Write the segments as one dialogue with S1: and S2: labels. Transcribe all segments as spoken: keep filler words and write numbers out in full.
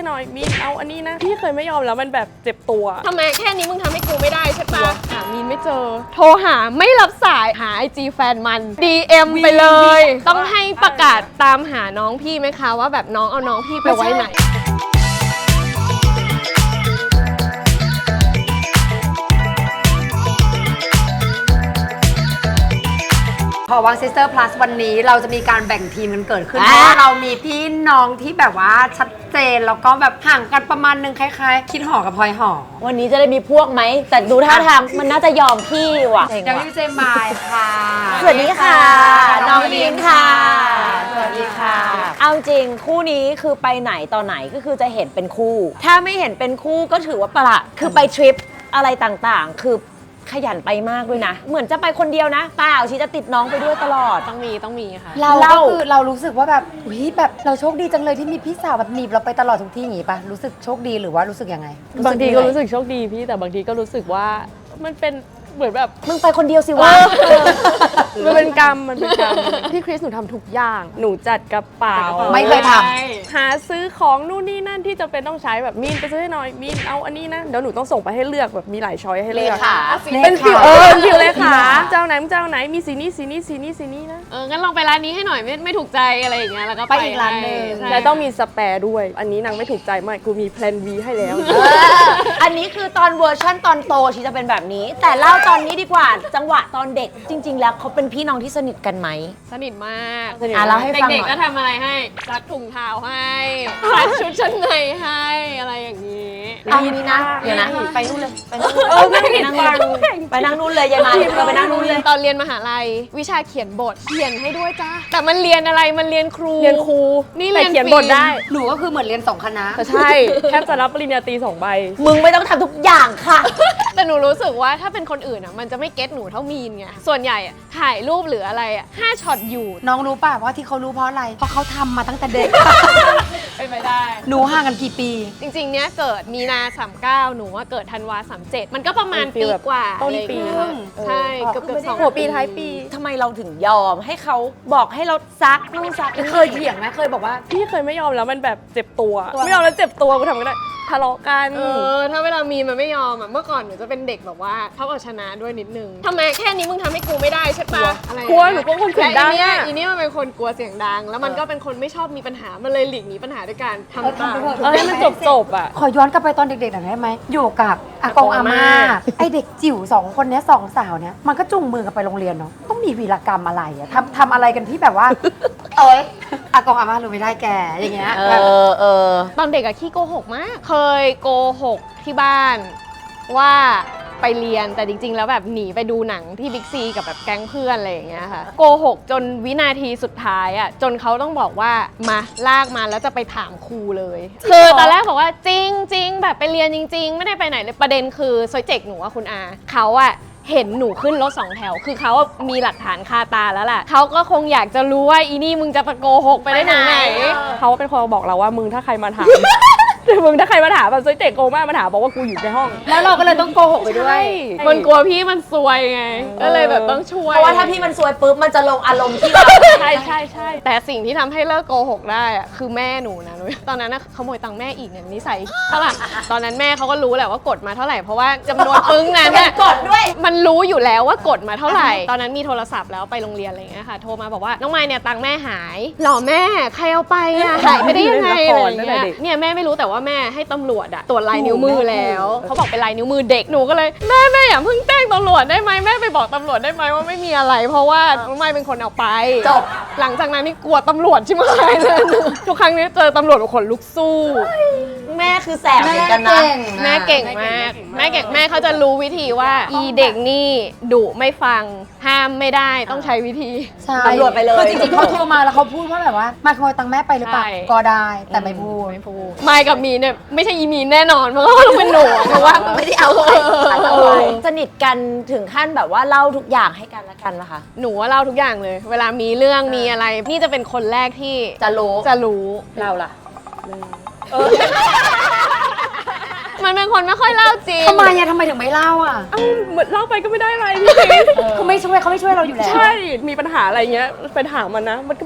S1: ให้หน่อยมีนเอาอันนี้นะพี่เคยไม่ยอมแล้วมันแบบเจ็บตัว
S2: ทำไมแค่นี้มึงทำให้กูไม่ได้ใช่ปะหามีนไม่เจอโทรหาไม่รับสายหาไอจีแฟนมัน ดี เอ็ม ไปเลยต้องให้ประกาศตามหาน้องพี่ไหมคะว่าแบบน้องเอาน้องพี่ไปไว้ไหน
S3: พอวังซิสเตอร์พลัสวันนี้เราจะมีการแบ่งทีมกันเกิดขึ้นเพราะว่าเรามีพี่น้องที่แบบว่าชัดเจนแล้วก็แบบห่างกันประมาณนึงคล้ายๆคิดหอกับพลอยหอ
S4: วันนี้จะได้มีพวกไหมแต่ดูท่าทางมันน่าจะยอมพี่ว่ะ
S3: เดี๋ยวพี่เจมายค่ะ
S4: สวัสดีค่ะน้องดีมค่ะสวัสดีค่ะเอาจริงคู่นี้คือไปไหนต่อไหนก็คือจะเห็นเป็นคู่ถ้าไม่เห็นเป็นคู่ก็ถือว่าประหลาดคือไปทริปอะไรต่างๆคือขยันไปมากด้วยนะเหมือนจะไปคนเดียวนะเปล่าชีจะติดน้องไปด้วยตลอด
S2: ต้องมีต้องมีค่ะ
S3: เราก็คือเรารู้สึกว่าแบบอุ้ยแบบเราโชคดีจังเลยที่มีพี่สาวแบบหนีบเราไปตลอดทุกที่อย่างงี้ปะรู้สึกโชคดีหรือว่ารู้สึกยังไง
S1: บางทีก็รู้สึกโชคดีพี่แต่บางทีก็รู้สึกว่ามันเป็นเหมือนแบบ
S4: มึงไปคนเดียวสิวะ
S1: มันเป็นกรรมมันเป็นกรรมพี่คริสหนูทำทุกอย่างหนูจัดกระเป๋า
S3: ไม่เคยท
S1: ำหาซื้อของนู่นนี่นั่นที่จะเป็นต้องใช้แบบมีนไปซื้อให้หน่อยมีนเอาอันนี้นะเดี๋ยวหนูต้องส่งไปให้เลือกแบบมีหลายช้อยให้เลือกเป็นฟิวเออฟิวเลยค่ะเจ้าไหนเจ้าไหนมีสีนี้สีนี้สีนี้สีนี้นะ
S2: เอองั้นลองไปร้านนี้ให้หน่อยไม่ไม่ถูกใจอะไรอย่างเงี้ยแล้วก็
S3: ไปอีกร้านนึง
S1: แล้วต้องมีสแปร์ด้วยอันนี้นางไม่ถูกใจไม่กูมีแพลน บี ให้แล้ว
S4: อันนี้คือตอนเวอร์ชั่นตอนโตชีจะเป็นแบบนี้แต่เล่าตอนนี้ดีกว่าจังหวะตอนเด็กจริงๆแล้วเขาเป็นพี่น้องที่สนิทกันไหม
S2: สนิทมาก
S4: อ่ะเล่าให้ฟังหน่อย
S2: เด็กๆก็ทำอะไรให้ซักถุงเท้าให้ซักชุดชั้นในให้อะไรอย่างนี้
S4: เอานี้นะเดี๋ยวนะไปนู่นเลยไปนู่นเลยไปนั่งนู่นไปนั่งนู่นเลยยายมาเราไปนั่งนู่นเลย
S2: ตอนเรียนมหาลัยวิชาเขียนบทเขียนให้ด้วยจ้าแต่มันเรียนอะไรมันเรียนครู
S1: เรียนครู
S2: นี่เรียน
S1: เขียนบทได้
S3: หนูก็คือเหมือนเรียนสองคณะ
S1: ใช่แทบจะรับปริญญาตรีสองใบ
S4: มึงไม่ต้องทำทุกอย่างค่ะ
S2: แต่หนูรู้สึกว่าถ้าเป็นคนอื่นอ่ะมันจะไม่เก็ตหนูเท่ามีนไงส่วนใหญ่ถ่ายรูปหรืออะไรอ่ะห้าช็อตอยู่
S3: น้องรู้ป่ะว่าที่เขารู้เพราะอะไรเพราะเขาทำมาตั้งแต่เด็ก
S2: เป็นไปได้
S3: หนูห่างกันกี่ปี
S2: จริงๆเนี้ยเกิดมีนาสามเก้าหนูว่าเกิดธันวาสามเจ็ดมันก็ประมาณปีกว่า
S1: ต้นปี
S2: ใช่เกือบเกือบสอง
S1: หัวปีท้ายปี
S4: ทำไมเราถึงยอมให้เขาบอกให้เราซักนู่นซัก
S3: เคยเถียงไหมเคยบอกว่า
S1: พี่เคยไม่ยอมแล้วมันแบบเจ็บตัวไม่ยอมแล้วเจ็บตัวกูทำไม่ได้ทะเลาะกัน
S2: เออถ้าเวลามีมันไม่ยอมอ่ะเมื่อก่อนหนูจะเป็นเด็กแบบว่าเขาเอาชนะด้วยนิดนึงทำไมแค่นี้มึงทำให้กูไม่ได้ใช่ปะอะไร
S1: กลัวหนูก็คนเสียงดัง
S2: อ่ะอีนี่มันเป็นคนกลัวเสียงดังแล้วมันก็เป็นคนไม่ชอบมีปัญหามันเลยหลีกหนีปัญหาด้วยการทำตาม
S1: เออให้มันจบจบอ่ะ
S3: ขอย้อนกลับไปตอนเด็กๆหน่อยได้ไหมอยู่กับอากงอาม่าไอเด็กจิ๋วสองคนนี้สองสาวเนี้ยมันก็จุงมือกันไปโรงเรียนเนาะต้องมีวีรกรรมอะไรอะทำทำอะไรกันที่แบบว่าเอ้ยอากงอาม่ารู้ไม่ได้แกอย่างเงี้ย
S4: เออเออ
S2: ตอนเด็กอะขี้โกหกมากเคยโกหกที่บ้านว่าไปเรียนแต่จริงๆแล้วแบบหนีไปดูหนังที่บิ๊กซีกับแบบแก๊งเพื่อนอะไรอย่างเงี้ยค่ะโกหกจนวินาทีสุดท้ายอ่ะจนเขาต้องบอกว่ามาลากมาแล้วจะไปถามครูเลยคือตอนแรกบอกว่าจริงจริงแบบไปเรียนจริงๆไม่ได้ไปไหนเลยประเด็นคือซอยเจกหนูว่าคุณอาเขาอะเห็นหนูขึ้นรถสองแถวคือเขามีหลักฐานคาตาแล้วแหละเขาก็คงอยากจะรู้ว่าอีนี่มึงจะไปโกหกไปได้ถึงไหน
S1: เขาเป็นคนบอกเราว่ามึงถ้าใครมาถามมึงถ้าใครมาถามแบบซวยเตะโกมากมาถามบอกว่ากูอยู่ในห้อง
S3: แล้วเราก็เลยต้องโกหกไปด้วย
S2: มันกลัวพี่มันซวยไงก็เลยแบบต้องช่วย
S4: เพราะว่าถ้าพี่มันซวยปุ๊บมันจะลงอารมณ์ที่เรา
S1: ใช่ใช่ใช่
S2: แต่สิ่งที่ทำให้เลิกโกหกได้อะคือแม่หนูนะตอนนั้นนะขโมยตังค์แม่อีกเนี่ยนิสัยเท่าไหร่ตอนนั้นแม่เขาก็รู้แหละว่ากดมาเท่าไหร่เพราะว่าจำนวนปึ้งนั้นน่ะ
S4: กดด้วย
S2: มันรู้อยู่แล้วว่ากดมาเท่าไหร่ตอนนั้นมีโทรศัพท์แล้วไปโรงเรียนอะไรอย่างเงี้ยค่ะโทรมาบอกว่าน้องไมค์เนี่ยตังค์แม่หายหรอแม่ใครเอาไปอะหายไปได้ยังไงอะไรอย่างเงี้ยเนี่ยแม่ไม่รู้แต่ว่าแม่ให้ตำรวจอะตรวจลายนิ้วมือแล้วเขาบอกเป็นลายนิ้วมือเด็กหนูก็เลยแม่แม่อย่าเพิ่งแจ้งตำรวจได้ไหมแม่ไปบอกตำรวจได้ไหมว่าไม่มีอะไรเพราะว่าน้องไมค์เป็นคนเอาไป
S4: จบ
S2: หลังจากนั้นนี่กลัวตำรวจใช่ไหมเลยทุกครั้งนี้เจอตำรวจขนลุกสู้
S4: แม่คือแสบเหมือนกันนะ
S2: แม่เก่งมากแม่เก่งแม่เขาจะรู้วิธีว่าอีเด็กนี่ดุไม่ฟังห้ามไม่ได้ต้องใช้วิธี
S4: ตำรวจไปเลย
S3: คือจริงๆเขาโทรมาแล้วเขาพูดว่าแบบว่ามาขโมยตังค์แม่ไปหรือเปล่าก็ได้แต่ไม่พูด
S2: ไม่พูดไมค์กับมีเนี่ยไม่ใช่อีมีแน่นอนเพราะว่าต้องเป็นหนูเพราะว่า
S4: ไม่ได้เอาไปสนิทกันถึงขั้นแบบว่าเล่าทุกอย่างให้กันละกันนะคะ
S2: หนูว่าเล่าทุกอย่างเลยเวลามีเรื่องมีอะไรนี่จะเป็นคนแรกที่
S4: จะรู้
S2: จะรู้
S4: เราล่ะ
S2: มันเป็นคนไม่ค่อยเล่าจริง
S3: ทำไมอะทำไมถึงไม่เล่าอะ
S1: เอ้าเหมือนเล่าไปก็ไม่ได้อะไร
S3: เขาไม่ช่วยเขาไม่ช่วยเราอยู่แล้ว
S1: ใช่มีปัญหาอะไรเงี้ยไปถามมันนะมันก็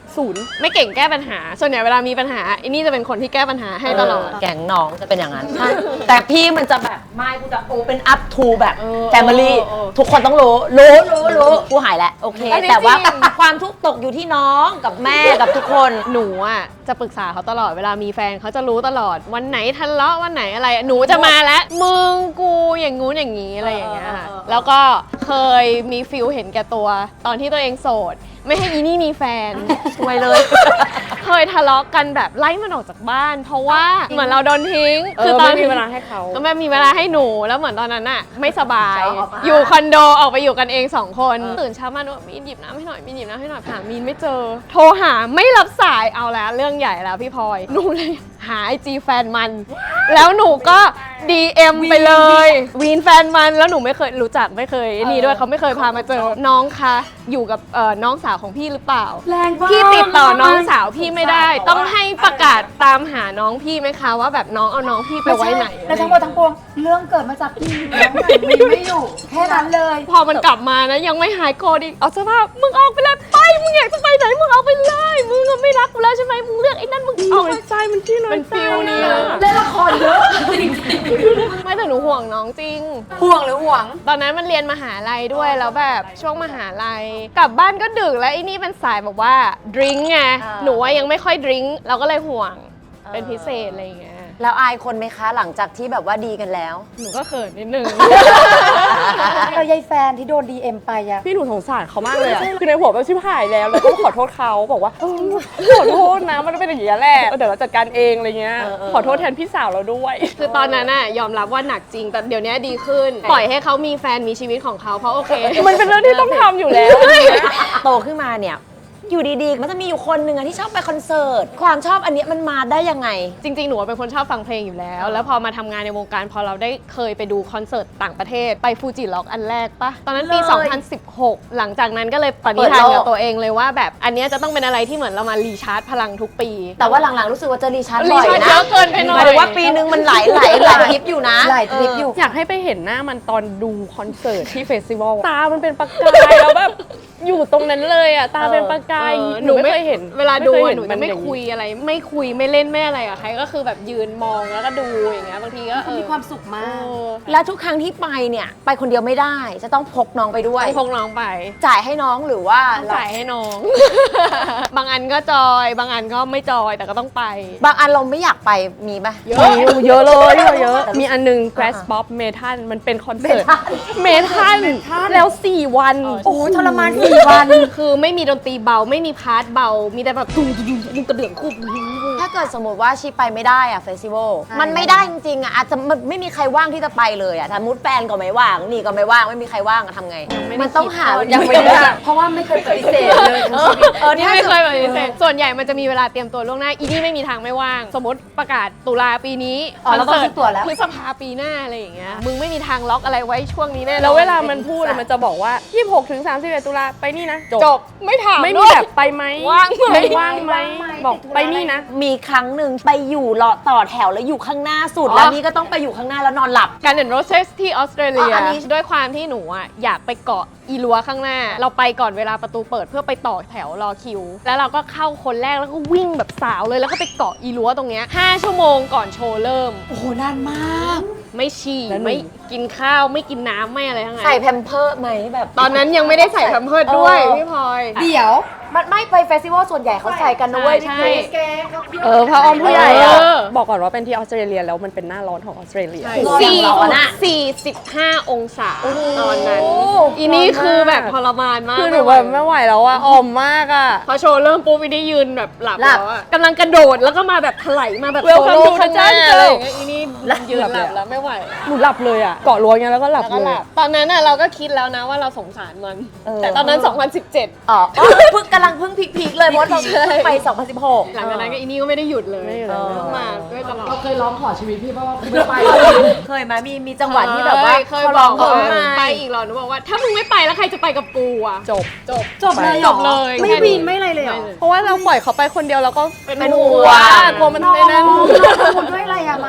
S1: ศูนย์
S2: ไม่เก่งแก้ปัญหา ส่วนใหญ่เวลามีปัญหาไอ้นี่จะเป็นคนที่แก้ปัญหาให้ตลอด
S4: แก๊งน้องจะเป็นอย่างนั้น แต่พี่มันจะแบบไม่กูจะโอเป็นอัพทูแบบ
S2: เออ
S4: แฟมิลี่
S2: เออเออ
S4: ทุกคนต้องรู้รู้รู้รู้กูหายแล้วโอเค
S2: อันนี้
S4: แต่ว่า
S2: จริง
S4: ความทุกข์ตกอยู่ที่น้องกับแม่กับทุกคน
S2: หนูอ่ะจะปรึกษาเขาตลอดเวลามีแฟนเขาจะรู้ตลอดวันไหนทะเลาะวันไหนอะไรหนูจะมาแล้วมึงกูอย่างงู้นอย่างงี้อะไรอย่างเงี้ยค่ะแล้วก็เคยมีฟิลเห็นแก่ตัว ตอนที่ตัวเองโสด ไม่ให้อีนี่มีแฟน
S4: ช่วยเลย
S2: เคยทะเลาะกันแบบไล่มันออกจากบ้าน เพราะว่าเหมือนเราโดนทิ้ง
S1: เออไม่มีเวลาให้เขา
S2: ก็ไม่มีเวลาให้หนูแล้วเหมือนตอนนั้นอะไม่สบาย อยู่คอนโดออกไปอยู่กันเองสองคนตื่นเช้ามาหนูมีนหยิบน้ำให้หน่อยมีนหยิบน้ำให้หน่อยหามีนไม่เจอ โทรหาไม่รับสายเอาแล้วเรื่องใหญ่แล้วพี่พลอยหนูเลยหาไอจีแฟนมัน แล้วหนูก็ ดี เอ็ม ไปเลยวีนแฟนมันแล้วหนูไม่เคยรู้จักไม่เคยนี่ด้วยเขาไม่เคยพามาเจอน้องคะอยู่กับเอ่อน้องสาวของพี่หรือเปล่า
S3: แรงมาก
S2: พี่ติดต่อน้องสาวพี่ไม่ได้ ต้องให้ประกาศตามหาน้องพี่ไหมคะว่าแบบน้องเอาน้องพี่ไปไว้ไหน
S3: แล้วทั้งหมดทั้งปวงเรื่องเกิดมาจากพี่น้องไหนมีไม่อยู่ แค่นั้นเลย
S2: พอมันกลับมานะยังไม่หายโกรธอีกเอาเสื้อผ้ามึงออกไปเลยไปมึงอยากจะไปไหนมึงเอาไปเลยมึงไม่รักกูแล้วใช่ไหมมึงเลือกไอ้นั่นมึง
S1: น้
S2: เอา
S1: อ
S2: ไป
S1: ยใจมันที่น้อย
S2: มัน
S1: ใจ
S2: ฟิลนี้
S1: อะ
S3: เล่นละครเยอะ
S2: ไม่แต่หนูห่วงน้องจริง
S3: ห่วงหรือห่วง
S2: ตอนนั้นมันเรียนมหาลัยด้วยแล้วแบบช่วงมหาลัยกลับบ้านก็ดึกแล้วไอ้นี่เป็นสายแบบว่าดริงก์ไง
S4: อ่า
S2: หนูว่ายังไม่ค่อยดริงก์เราก็เลยห่วงเป็นพิเศษอะไรอย่างเงี้ย
S4: แล้วอายคนไหมคะหลังจากที่แบบว่าดีกันแล้ว
S2: หนูก็เขินนิดนึง
S3: เรายายแฟนที่โดน ดี เอ็ม ไปอะ
S1: พี่หนูสงสารเขามากเลยอะคือในหัวแบบชิบหายแล้วแล้วก็ขอโทษเขาบอกว่าเออขอโทษนะมันเป็นอย่างนี้ยแหละเดี๋ยวเราจัดการเองอะไรเงี้ย
S4: เออเออ
S1: ขอโทษแทนพี่สาวเราด้วย
S2: คือตอนนั้นน่ะยอมรับว่าหนักจริงแต่เดี๋ยวนี้ดีขึ้น ปล่อยให้เขามีแฟนมีชีวิตของเขาเพราะโอเค
S1: มันเป็นเรื่องที่ต้องทำอยู่แล้วอะไรเงี้ย
S4: โตขึ้นมาเนี่ยอยู่ดีๆมันจะมีอยู่คนหนึ่งอะที่ชอบไปคอนเสิร์ตความชอบอันเนี้ยมันมาได้ยังไง
S2: จริงๆ หนูเป็นคนชอบฟังเพลงอยู่แล้ว แล้วพอมาทำงานในวงการพอเราได้เคยไปดูคอนเสิร์ตต่างประเทศ ไปฟูจิล็อกอันแรกปะตอนนั้นปี
S4: เลย
S2: สองพันสิบหก หลังจากนั้นก็เลยปณิธานกับตัวเองเลยว่าแบบอันเนี้ยจะต้องเป็นอะไรที่เหมือนเรามารีชาร์จพลังทุกปี
S4: แต่ว่าหลังๆรู้สึกว่าจะรีชาร์จ
S2: รี
S4: บ่อย
S2: ชาร์จ
S4: นะ
S2: เยอะเกินไปหน่อย
S4: หมายถึงว่าปีนึงมันหลายหลายหลายทริปอยู่นะ
S3: หลายทริปอยู่
S1: อยากให้ไปเห็นหน้ามันตอนดูคอนเสิร์ตที่เฟสติวัลตามันเป็นประกายแล้วแบบอยู่ตรงนั้นเลยอ่ะตาเป็นประกาย
S2: เออ
S1: หนูไม่เคยเห็น
S2: เวลาดู
S1: คย
S2: อะ
S1: เห็
S2: หนูจะไม่
S1: นอย่าง
S2: คุยอะไร ไม่คุยไม่เล่นไม่อะไรกับใครก็คือแบบยืนมองแล้วก็ดูอย่างเงี้ยบางทีก็เออ
S3: มีความสุขมา
S2: เอก อ
S4: แล้วทุกครั้งที่ไปเนี่ยไปคนเดียวไม่ได้ จะต้องพกน้องไปด้วย
S2: ต้องพกน้องไป
S4: จ่ายให้น้องหรือว่า
S2: ต้องจ่ายให้น้อง บางอันก็จอย บางอันก็ไม่จอยแต่ก็ต้องไป
S4: บางอันเราไม่อยากไปมีปะ
S2: เยอะ
S1: มีอยู่เยอะเลยเยอะ มีอันหนึง Grass Pop Metal มันเป็นคอนเสิร์ตเมทัลแล้วสี่วัน
S3: โอ้โหทรมานสี่วัน
S2: คือไม่มีดนตรีเบาไม่มีพาร์ทเบา มีแต่แบบตุ้งตุ้งตุ้งกระเดื่องคุบ
S4: ถ้าเกิดสมมติว่าชีไปไม่ได้อะเฟสติวัล
S3: ใช่
S4: มันไม่ได้จริงๆอะอาจจะมันไม่มีใครว่างที่จะไปเลยอะถ้ามุดแฟนก็ไม่ว่างนี่ก็ไม่ว่างไม่มีใครว่างอะทำไง มันต้องหา
S3: ยังไม่ได้เพราะว่าไม่เคยปฏิเสธเลยทั้งชีวิต
S2: เออนี่ไม่เคยแบบนี้ส่วนใหญ่มันจะมีเวลาเตรียมตัวล่วงหน้า อีนี่ไม่มีทางไม่ว่าง สมมติประกาศตุลาปีนี้
S3: อ๋อเราต้องซื้อตั๋วแล้ว
S2: พฤษภาปีหน้าอะไรอย่างเงี้ย มึงไม่มีทางล็อกอะไรไว้ช่วงนี้แน่นอน
S1: แล้วเวลามันพูดอะมันจะบอกว่า ยี่สิบหกถึงสามสิบเอ็ด ตุลาไปนี่นะ จบ
S2: จบไม่ถาม
S1: ไม่
S2: ด้
S1: มี
S2: วย
S1: แบบไปไหม
S2: ว่างไหม
S1: ไม่ว่างไหมบอกไปนี่นะ
S4: มีครั้งหนึ่งไปอยู่รอต่อแถวแล้วอยู่ข้างหน้าสุด
S2: อ๋อ
S4: แล้วนี่ก็ต้องไปอยู่ข้างหน้าแล้วนอนหลับ
S2: การเดินโรเซสที่ออสเตรเลีย
S4: อ๋ออันนี้
S2: ด้วยความที่หนูอ่ะอยากไปเกาะอีลัวข้างหน้า เราไปก่อนเวลาประตูเปิดเพื่อไปต่อแถวรอคิว แล้วเราก็เข้าคนแรกแล้วก็วิ่งแบบสาวเลยแล้วก็ไปเกาะอีลัวตรงเนี้ยห้าชั่วโมงก่อนโชว์เริ่ม
S3: โอ้โหนานมาก
S2: ไม่ฉี่
S1: แล้วหนู
S2: ไม่กินข้าวไม่กินน้ำไม่อะไรทั้งนั้น
S4: ใส่แพมเพิร์สไหมแบบ
S2: ตอนนั้นยังไม่ได้ใส่แพมเพิร์สด้วย
S4: เออ
S2: พี่พลอย
S3: เดี๋ยว
S4: มันไม่ไปเฟสติวัลส่วนใหญ่เขาใส่กันนะเว้ย
S2: ใช่
S4: พี่คริส
S1: เออพระออมผู้ใหญ่อะ
S2: เออ
S1: บอกก่อนว่าเป็นที่ออสเตรเลียแล้วมันเป็นหน้าร้อนของออสเตรเลีย
S2: สี่
S4: ร้อนอะ
S2: สี่สิบห้าองศาตอนนั้น อีนี่คือแบบทรมานมาก
S1: คือหนูแบบไม่ไหวแล้วอะอ่อมมากอะ
S2: พอโชว์เริ่มปุ๊บอีนี่ยืนแบบหลับ
S3: หลับ
S2: แล้วอะกำลังกระโดดแล้วก็มาแบบถลายมาแบบ
S1: Welcome
S2: โซโล่
S1: to the
S2: ข้างหน้า
S1: jungle
S2: อะไรอย่างเงี้ยอีนี่ยืนหลับแล้วไม่ไหว
S1: หนูหลับเลยอะเกาะรั้วเงี้ยแล้วก็หลับ
S2: แล้วก็
S1: เล
S2: ห
S1: ย
S2: ลับตอนนั้นน่ะเราก็คิดแล้วนะว่าเราสงสารมัน
S4: เออ
S2: แต่ตอนนั้น สองพันสิบเจ็ด
S4: อ๋ออ๋อเพิ่งกำลังเพิ่งพีคๆเลยมดเราเพิ่งไป สองพันสิบหก
S2: หลังจากนั้นก็อีนี่ก็ไม่ได้หยุดเลย
S1: ไม่หยุดเลย
S2: ต้องมาด้วยตลอด
S3: เคยร้องขอชีวิตพี่เพราะว่าไม่ไป
S4: เคยไหมมีมีจังหวะที่แบบว่า
S2: เคย
S4: เขา
S2: บ
S4: ร้
S2: อ
S4: อก ง
S2: ว่า
S4: เขา
S2: ไป
S4: ไม่
S2: อีกเหรอหนูบอกว่าถ้ามึงไม่ไปแล้วใครจะไปกับกูอ่ะ
S1: จบ
S2: จบ
S3: จบเลยเหรอ
S2: จบเลย
S3: ไม่
S2: แค่นี้
S3: วีนไม่อะไรเลยเหรอ
S1: เพราะว่าเราปล่อยเขาไปคนเดียวแล้วก็
S2: เป็น
S4: เป็น
S2: ห่
S4: ห่
S2: ว
S4: ว
S2: ง
S4: ง
S1: กลัวมันในนั้น
S3: คุณด้วยอะไรอะมาย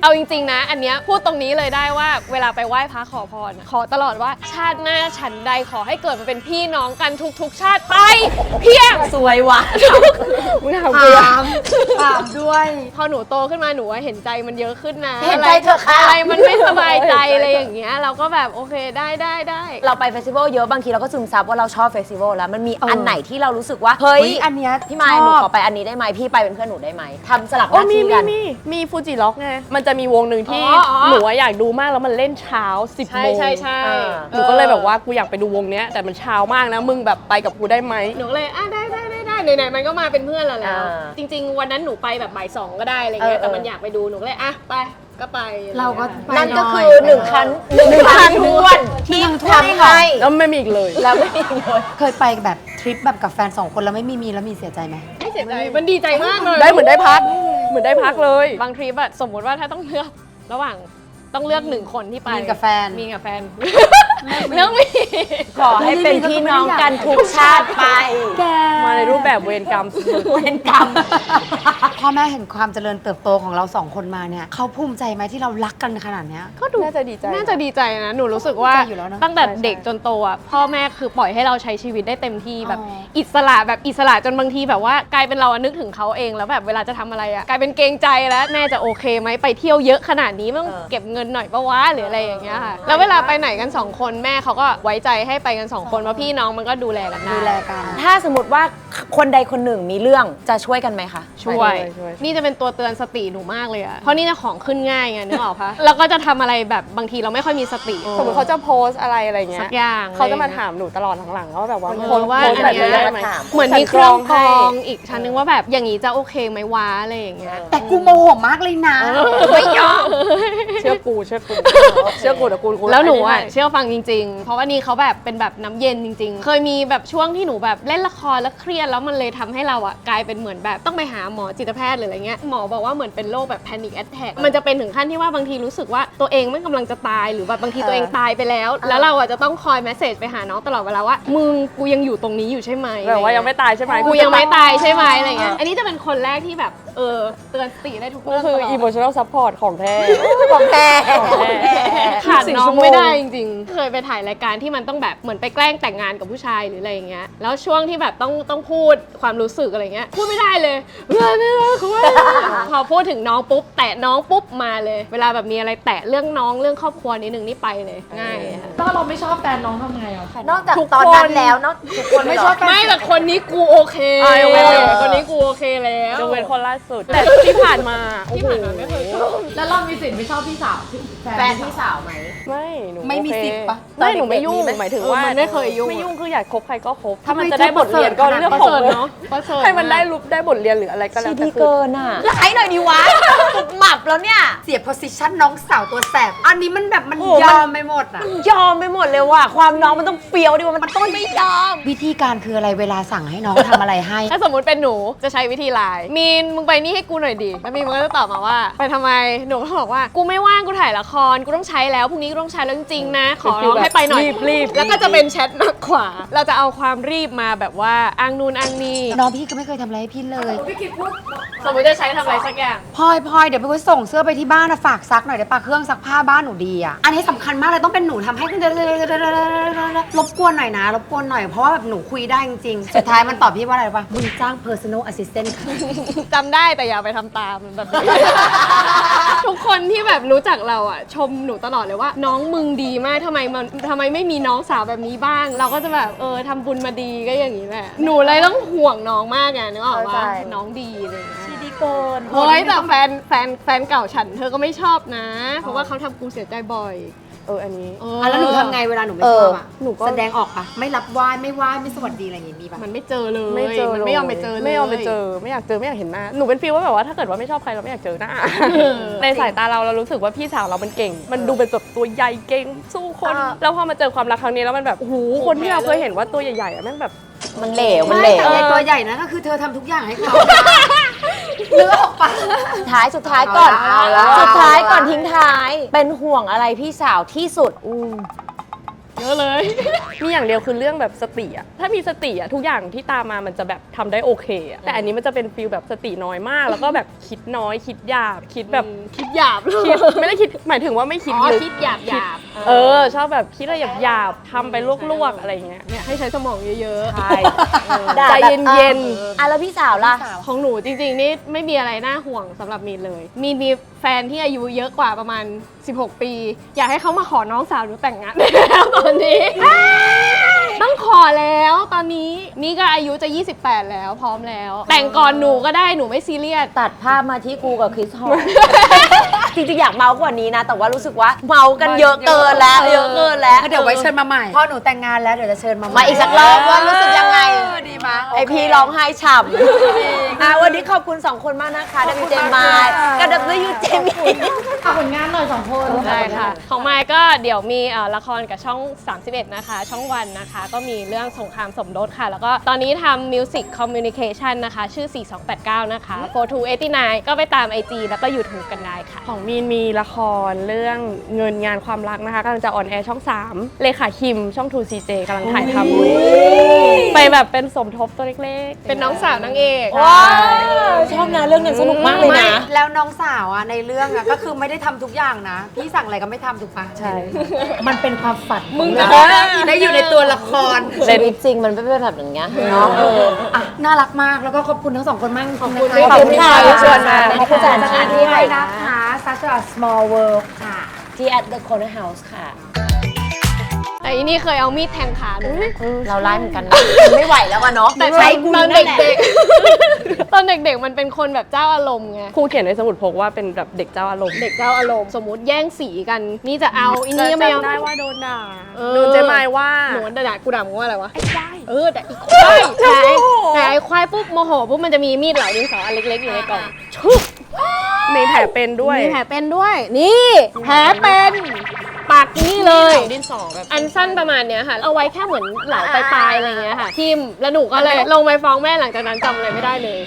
S2: เอาจริงๆนะ อันเนี้ยพูดตรงนี้เลยได้ว่าเวลาไปไหว้พระขอพรอะขอตลอดว่าชาติหน้าฉันใดขอให้เกิดมาเป็นพี่น้องกันทุกๆชาติไป เพียง
S4: สวยว่ะ
S1: มึงทำกูอะ
S3: ถามถามด้วย
S2: พอหนูโตขึ้นมาหนูว่าเห็นใจมันเยอะขึ้นนะ
S4: เห็นใจเถอะค่ะ
S2: อะไรมันไม่สบายใจอะไรอย่างเงี้ยเราก็แบบโอเคได้ได้ได้
S4: เราไปเฟสติวัลเยอะบางทีเราก็ซึมซับว่าเราชอบเฟสติวัลแล้วมันมี
S3: เอออั
S4: อันไหนที่เรารู้สึกว่าเฮ้ย
S3: เฮ้ยอันเนี้ย
S4: พี่มาย
S3: ช
S4: หนู
S3: อบ
S4: ขอไปอันนี้ได้ไหมพี่ไปเป็นเพื่อนหนูได้ไหมทำสลับห
S1: โอ้
S4: น้า
S1: มี
S4: ที่
S1: มี
S4: กัน
S1: มีมีฟูจิล็อกไงมันจะมีวงหนึ่งที่
S2: อ๋ออ๋อ
S1: หนูอะอยากดูมากแล้วมันเล่นเช้าสิบ
S2: ใช่
S1: โมง
S2: ใช่ใช่
S4: อ่า
S1: หนูก็เลยแบบว่ากูอยากไปดูวงเนี้ยแต่มันเช้ามากนะมึงแบบไปกับกูได้ไหม
S2: หนูก็เลยอ่ะได้ได้ได้ได้ไหนๆมันก็มาเป็นเพื่อนเราแล้ว
S4: อ่า
S2: จริง ๆ วันนั้นหนูไปแบบบ่ายสองก็ได้อะไรเงี้ย
S4: เออเออ
S2: แต่มันอยากไปดูหนูก็เลยอ่ะไปก็ไป
S3: เราก็ไป
S4: นั่น
S3: ห
S4: ก็
S3: อย
S4: คือหนึ่งคันหนึ่งคันทวนที่
S3: หนึ่งถ้วน
S4: ทำ
S3: ค่ะ
S4: ให้
S1: แล้วไม่มีอีกเลย
S4: แล้วไม่มีเลย
S3: เคยไปแบบทริปแบบกับแฟนสองคนแล้วไม่มีมีแล้วมีเสียใจไหม
S2: ไม่เสียใจมันดีใจมากเลย
S1: ได้เหมือนได้พัก เหมือนได้พักเลย
S2: บางทริปอะสมมติว่าถ้าต้องเลือกระหว่างต้องเลือกหนึ่งคนที่ไป
S3: มีกับแฟน
S2: มีกับแฟนเลือกมี
S4: ขอให้เป็นพี่น้องกันทุกชาติไป
S3: แก
S1: มาในรูปแบบเวรกรรม
S4: เวรกรรม
S3: พ่อแม่เห็นความเจริญเติบโตของเราสองคนมาเนี่ยเขาภูมิใจไหมที่เรารักกันขนาดเนี้ย
S1: ก็ดูน่าจะดีใจ
S2: น่าจะดีใจนะ หนูรู้สึกว่า
S3: ดีใจอยู่แล้วเนอะ
S2: ตั้งแต่
S1: ใช่ใช่
S2: เด็กจนโตอ่ะพ่อแม่คือปล่อยให้เราใช้ชีวิตได้เต็มที่แบบ
S3: อ๋อ
S2: อิสระแบบอิสระจนบางทีแบบว่ากลายเป็นเราอะนึกถึงเขาเองแล้วแบบเวลาจะทำอะไรอ่ะกลายเป็นเกรงใจแล้วแม่จะโอเคไหมไปเที่ยวเยอะขนาดนี้ไม่ต้อง
S4: เออ
S2: เก็บเงินหน่อยปะวะหรืออะไรอย่างเงี้ยค่ะแล้วเวลาไปไหนกันสองคนแม่เขาก็ไว้ใจให้ไปกันสองคนว่าพี่น้องมันก็ดูแลกันได้
S3: ดูแลกัน
S4: ถ้าสมมติว่าคนใดคนหนึ่งมีเรื่องจะช่วยกันไหมคะ
S2: ช่วย
S1: ช่วย
S2: นี่จะเป็นตัวเตือนสติหนูมากเลยอะเพราะนี่จะของขึ้นง่ายไงนึกออกปะแล้วก็จะทำอะไรแบบบางทีเราไม่ค่อยมีสติ
S1: สมมติเขาจะโพสต์อะไรอะไรเงี้
S2: สั
S1: ย
S2: กอย่าง
S1: เขาจะมาถามหนูตลอดหลังๆว่าแบบว่า
S2: เออ
S1: โพสต์
S2: ว่า
S1: โพสต์
S2: อัน
S1: แบบ
S2: เนี้ย
S1: นี้ได้ไหม
S2: เหมือนมีเครื่องกร
S1: ให้
S2: องอีกชั้นนึงว่าแบบอย่างนี้จะโอเคไหมวะอะไรอย่างเงี้ย
S3: แต่กูโมโหมากเลยนะ
S2: ไม่ยอม
S1: เชื่อกูเชื่อกูเชื่อกูแต่กูกู
S2: แล้วหนูอ่ะ
S1: ให้
S2: เชื่อฟังจริงๆ เพราะว่านี่เขาแบบเป็นแบบน้ำเย็นจริง ๆ เคยมีแบบช่วงที่หนูแบบเล่นละครแล้วเครียดแล้วมันเลยทำให้เราอ่ะกลายเป็นเหมือนแบบต้องไปหาหมอจิตแพทย์หรืออะไรเงี้ยหมอบอกว่าเหมือนเป็นโรคแบบ panic attack มันจะเป็นถึงขั้นที่ว่าบางทีรู้สึกว่าตัวเองไม่กำลังจะตายหรือแบบบางทีตัวเองตายไปแล้ว แล้วเราอ่ะจะต้องคอยเมสเซจไปหาน้องตลอดเวลาว่ามึงกูยังอยู่ตรงนี้อยู่ใช่ไหม
S1: แบบว่ายังไม่ตายใช่ไหม
S2: กูยังไม่ตายใช่ไหมอะไรเงี้ยอันนี้จะเป็นคนแรกที่แบบเออเตือนสติได้ทุก
S1: ก็
S2: เรื่อง
S1: คือ
S2: ตลอด
S1: emotional support ของแท้
S4: ของแท้
S2: ขาด
S1: สี่
S2: น้อ
S1: ชั่
S2: ง
S1: วโมง
S2: ไม่ได้จริงๆ เคยไปถ่ายรายการที่มันต้องแบบเหมือนไปแกล้งแต่งงานกับผู้ชายหรืออะไรอย่างเงี้ย แล้วช่วงที่แบบต้องต้องพูดความรู้สึกอะไรเงี้ย พูดไม่ได้เลยเพื่อนไม่รักเขาว่าพอพูดถึงน้องปุ๊บแตะน้องปุ๊บมาเลย เวลาแบบมีอะไรแตะเรื่องน้องเรื่องครอบครัวนิดนึงนี่ไปเลยง่ายอะ
S5: ถ้าเราไม่ชอบแฟนน้องทำไงอ่ะ
S4: นอกจาก
S1: ทุก
S4: ตอน
S1: คน
S4: นั้นแล้วนอกทุกคนไม่ชอบ
S2: ไม่แต่คนนี้กูโอเค
S1: อ่ะยกเว้น
S2: คนนี้กูโอเคแล้ว
S1: ยกเว้นคนล่าสุด แต่ที่ผ่านมาโอ้
S2: ที่
S1: โห
S2: ผ่านมาไม่เคยชอบ
S5: แล้วเรามีสิทธิ์ไม่ชอบพี่สาว
S4: แฟนพี่สาวไหม
S1: ไม่หนู
S3: ไม่มี
S1: โอเค
S3: สิทธิ์ปะ
S1: ไม่หนูไม่ยุ่ง
S4: ตอนเด็กๆมีไหม
S1: หมายถึง
S2: เออ
S1: ว่า
S2: มันไม่เคยยุ่ง
S1: ไม่ยุ่งคืออยากคบใครก็คบ ถ้า
S3: ทำไม
S1: มันจะได้บทเรียนก็เรื่อง
S2: ประ
S1: ของ
S2: เสริฐเนาะประเสริฐ
S1: ให้มันได้รูปได้บทเรียนหรืออะไรก็แล้
S4: ชี
S1: วแต่
S4: ดี
S1: คือ
S4: เกินอ่ะร้ายหน่อยดีวะหมับแล้วเนี่ย
S3: เสีย position น้องสาวตัวแสบ อันนี้มันแบบมัน
S4: โอ้
S3: ยอมไปหมดอ่ะ
S4: ยอมไปหมดเลยว่ะความน้องมันต้องเฟี้ยวดิว่ามันต้องไม่ยอม
S3: วิธีการคืออะไรเวลาสั่งให้น้องทำอะไรให้
S2: ถ้าสมมติเป็นหนูจะใช้วิธีไลน์มีนมึงไปนี่ให้กูหน่อยดิ แล้วมีนมันก็จะตอบมาว่า ไปทำไม หนูก็บอกว่ากูไม่ว่างกูถ่ายละคร กูต้องใช้แล้วพรุ่งนี้กูต้องใช้แล้วจริงๆนะ ขอร้องให้ไปหน่อย
S1: รีบรีบ
S2: แล้วก็จะเป็นแชทมากกว่า เราจะเอาความรีบมาแบบว่าอ้างนู่นอ้างนี่
S3: น้องพี่ก็ไม่เคยทำอะไรให้พี่เลย
S2: สมมติจะใช้ทำอะไรสักอย่าง
S3: พลอยพลอยเดี๋ยวไปคุยส่งเสื้อไปที่บ้านนะฝากซักหน่อยได้ปะเครื่องซักผ้าบ้านหนูดีอ่ะ อันนี้สำคัญมากเลยต้องเป็นหนูทำให้รบกวนหน่อยนะรบกวนหน่อยเพราะว่าแบบหนูคุยได้จริงๆ สุดท้ายมันตอบพี่ว่าอะไรรู้ปะมึงจ้าง personal assistant ค่ะ
S2: จำได้แต่อย่าไปทำตามแบบนี้ ทุกคนที่แบบรู้จักเราอ่ะ ชมหนูตลอดเลยว่า น้องมึงดีมากทำไมมันทำไมไม่มีน้องสาวแบบนี้บ้าง เราก็จะแบบเออทำบุญมาดีก็อย่างนี้แหละหนูเลยต้องห่วงน้องมากไงนึกออก
S4: เข้า
S2: ว่า
S4: ใจ
S2: น้องดีอะไรอย่างเลย
S4: ชีดีเกิน
S2: เฮ้ยแต่แฟนแฟนแฟนเก่าฉันเธอก็ไม่ชอบนะ เพราะว่าเขาทำกูเสียใจบ่อย
S1: เอออันนี้
S2: เออ
S3: อ่ะแล้วหนูทำไงเวลาหนูไม่
S4: เอ
S3: ช
S4: อ
S3: อบอ่ะ
S1: หนูก็
S3: แสดงออกปะไม่รับไหว้ไม่ไหว้ไม่สวัสดีอะไรอย่างงี้มีปะ
S2: มันไม่เจอเลย
S1: ไม่เจอ
S2: มันไม่ยอมไปเจอเลย
S1: ไม่ยอมไปเจอ ไม่อยากเจอไม่อยากเห็นหน้า หนูเป็นฟีลว่าแบบว่าถ้าเกิดว่าไม่ชอบใครเราไม่อยากเจอหน้า ในสายตาเราเรารู้สึกว่าพี่สาวเรามันเก่ง มันดูเป็นแบบตัวใหญ่เก่งสู้คน
S4: อ่า
S1: แล้วพอมาเจอความรักครั้งนี้แล้วมันแบบโอ้โหคนที่เราเคยเห็นว่าตัวใหญ่ๆอะแม่งแบบ
S4: มันเหลวมันเหล
S3: แต่
S4: ว
S3: ไอ้ตัวใหญ่นะก็คือเธอทำทุกอย่างให้เขาเลือกออกปะ
S4: สุดท้ายสุดท้ายก่อน
S3: เอาละ
S4: สุดท้ายก่อนทิ้งท้าย เป็นห่วงอะไรพี่สาวที่สุด
S1: อืม
S2: เยอะเลย
S1: มีอย่างเดียวคือเรื่องแบบสติอะถ้ามีสติอะทุกอย่างที่ตามมามันจะแบบทำได้โอเคอะแต่อันนี้มันจะเป็นฟีลแบบสติน้อยมาก แล้วก็แบบคิดน้อยคิดหยาบคิดแบบ
S2: คิดหยาบเลย
S1: คิดไม่ได้คิดหมายถึงว่าไม่คิด
S2: อ๋อ
S1: ลึก
S2: คิดหยาบหยาบ
S1: เออชอบแบบคิดอะไรหยาบๆทำไปลวกๆอะไรเงี้ย
S2: เนี่ยให้ใช้สมองเยอะ
S1: ใช่
S4: ด่า
S1: ใจ
S4: แบบ
S1: เย็น
S4: อ่ะแล้วพี่สาวล่ะ
S2: ๆ ของหนูจริงๆ นี่ไม่มีอะไรน่าห่วงสำหรับมีนเลย มีนมีแฟนที่อายุเยอะกว่าประมาณ สิบหก ปี อยากให้เขามาขอน้องสาวหนูแต่งงานแล้วตอนนี้ ต้องขอแล้วตอนนี้นี่ก็อายุจะ ยี่สิบแปด แล้วพร้อมแล้ว แต่งก่อนหนูก็ได้หนูไม่ซีเรียส
S4: ตัดภาพมาที่กูกับคริสฮอล จริงๆอยากเมากว่านี้นะ แต่ว่ารู้สึกว่าเมากันเยอะเกินแล้ว เยอะเกินแล้ว
S3: ก็เดี๋ยวไว้เชิญมาใหม่ พอหนูแต่งงานแล้วเดี๋ยวจะเชิญมาให
S4: มาอีกสักรอบว่ารู้สึกยังไง
S3: เออดีมะ
S4: ไอพีร้องไห้ฉ่ำอ่ะวันนี้ขอบคุณสองคนมากนะคะ ดับเบิลยู เจ มายกับ ดับเบิลยู เจ มี่
S5: ฝากผลงานหน่อยสองคน
S2: ได้ค่ะ ของไมค์ก็เดี๋ยวมีเอ่อละครกับช่อง สามสิบเอ็ด นะคะ ช่องวันนะคะ ก็มีเรื่องสงครามสมรสค่ะ แล้วก็ตอนนี้ทำ Music Communication นะคะ ชื่อ สี่สองแปดเก้า นะคะ โฟร์ทูเอทตี้ไนน์ ก็ไปตาม ไอ จี แล้วก็ YouTube กันได้ค่ะ
S1: ของมีนมีละครเรื่องเงินงานความรักนะคะกำลังจะออนแอร์ช่อง สาม เลขาคิมช่อง ทู ซี เจ กำลังถ่ายทำอยู่ไปแบบเป็นสมทบตัวเล็กๆ
S2: เป็นน้องสาวนางเอก
S4: ว้าวชอบนะเรื่องนั้นสนุกมากเลยนะ
S3: แล้วน้องสาวอ่ะในเรื่องอ่ะก็คือไม่ได้ทำทุกอย่างนะ พี่สั่งอะไรก็ไม่ทำถูกปะ
S1: ใช่
S3: มันเป็นความฝัน
S2: มึง
S3: ขอ
S2: จะ
S3: เรื่องได้อยู่ในตัวละคร
S4: ชีวิตจริงมันไม่เป็นแบบอย่างเงี้ยเนาะ
S3: อ่ะน่ารักมากแล้วก็ขอบคุณทั้งสองคนมากขอบคุณ
S4: ขอบคุณค่ะที่ชวนมา
S3: ขอบคุณ
S4: ขอบคุณ
S3: สถาน
S4: ที่
S3: ที่
S4: ให้
S3: ด้วยนะคะ Such a small world ค่ะ
S4: ที่ at the corner house ค่ะ
S2: แต่อีนี่เคยเอามีดแทงขาหนูนะ
S4: เราไล่เหมือนกันนะไม่ไหวแล้วอะเนาะ
S2: แต่
S4: ใช้กู
S2: ตอน
S4: นั่นแหละ
S2: เด็กๆ ตอนเด็กๆ มันเป็นคนแบบเจ้าอารมณ์ไง
S1: ครูเขียนในสมุดพกว่าเป็นแบบเด็กเจ้าอารมณ์
S2: เด็กเจ้าอารมณ์ สมมุติแย่งสีกัน นี่จะเอาอีนี่ก็ไม่เอา
S1: จำได้ว่าโดนด่า
S2: เออ
S1: โดนเจมายว่า
S2: หนูด่ากูด่ามึงว่าอะไรวะ ไอ้ควาย เออแต่อีควายแต่ไอ้แต่ไอ้ควายปุ๊บโมโหปุ๊บมันจะมีมีดเหลาดินสออันเล็กๆอยู่ในกล่องชุบ
S1: มีแผลเป็นด้วย
S2: มีแผลเป็นด้วย นี่แผลเป็นปากนี่เลย
S1: ดินสอแบบ
S2: อันสั้นประมาณเนี้ยค่ะ เอาไว้แค่เหมือนเหลาปลายๆอะไรเงี้ยค่ะทิมแล้วหนูก็เลยลงไปฟ้องแม่หลังจากนั้นจำอะไรไม่ได้เลย